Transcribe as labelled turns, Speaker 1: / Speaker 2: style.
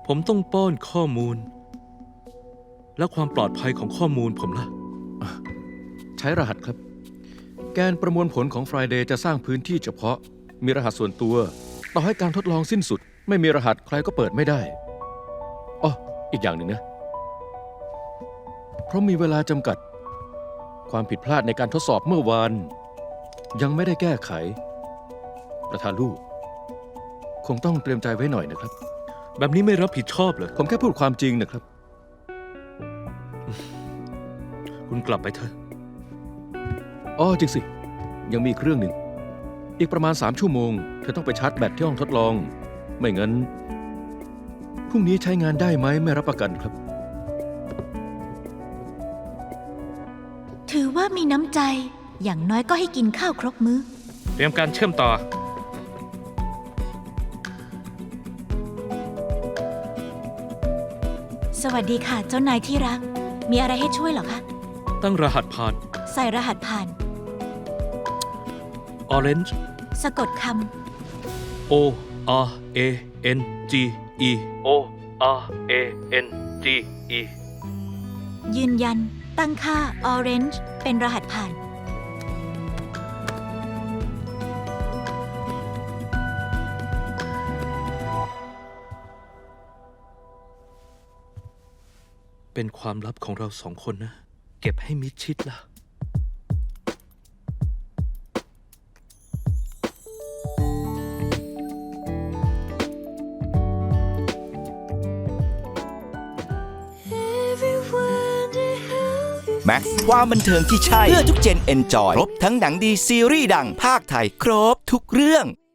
Speaker 1: ผมต้องป้อนข้อมูล และความปลอดภัยของข้อมูลผมล่ะ
Speaker 2: ใช้รหัสครับ แกนประมวลผลของ Friday จะสร้างพื้นที่เฉพาะ มีรหัสส่วนตัว ต่อให้การทดลองสิ้นสุด ไม่มีรหัสใครก็เปิดไม่ได้อ้ออีกอย่างหนึ่งนะ เพราะมีเวลาจำกัด ความผิดพลาดในการทดสอบเมื่อวาน ยังไม่ได้แก้ไข ประธานลูก คงต้องเตรียมใจไว้หน่อยนะครับ
Speaker 1: แบบนี้ไม่รับผิดชอบเหรอ
Speaker 2: ผมแค่พูดความจริงนะครับ
Speaker 1: คุณกลับไปเถอะ
Speaker 2: อ๋อจริงสิ ยังมีอีกเรื่องหนึ่ง อีกประมาณ3 ชั่วโมง เธอต้องไปชาร์จแบตที่ห้องทดลอง ไม่งั้น พรุ่งนี้ใช้งานได้ไหมไม่รับประกันครับ
Speaker 3: ถือว่ามีน้ำใจ อย่างน้อยก็ให้กินข้าวครบมื้อ
Speaker 1: เตรียมการเชื่อมต่อ
Speaker 3: สวัสดีค่ะ เจ้านายที่รัก มีอะไรให้ช่วยเหรอคะ
Speaker 1: ตั้งรหัสผ่าน
Speaker 3: ใส่รหัสผ่าน
Speaker 1: Orange
Speaker 3: สะกดค
Speaker 1: O R A N G E O R A N G E
Speaker 3: ำยืนยัน ตั้งค่า Orange เป็นรหัสผ่าน
Speaker 1: เป็นความลับของเรา2 คนนะ เก็บให้มิดชิดล่ะ
Speaker 4: แม็กซ์ความบันเทิงที่ใช่ เพื่อทุกเจนเอนจอย ครบทั้งหนังดีซีรีส์ดังภาคไทย ครบทุกเรื่อง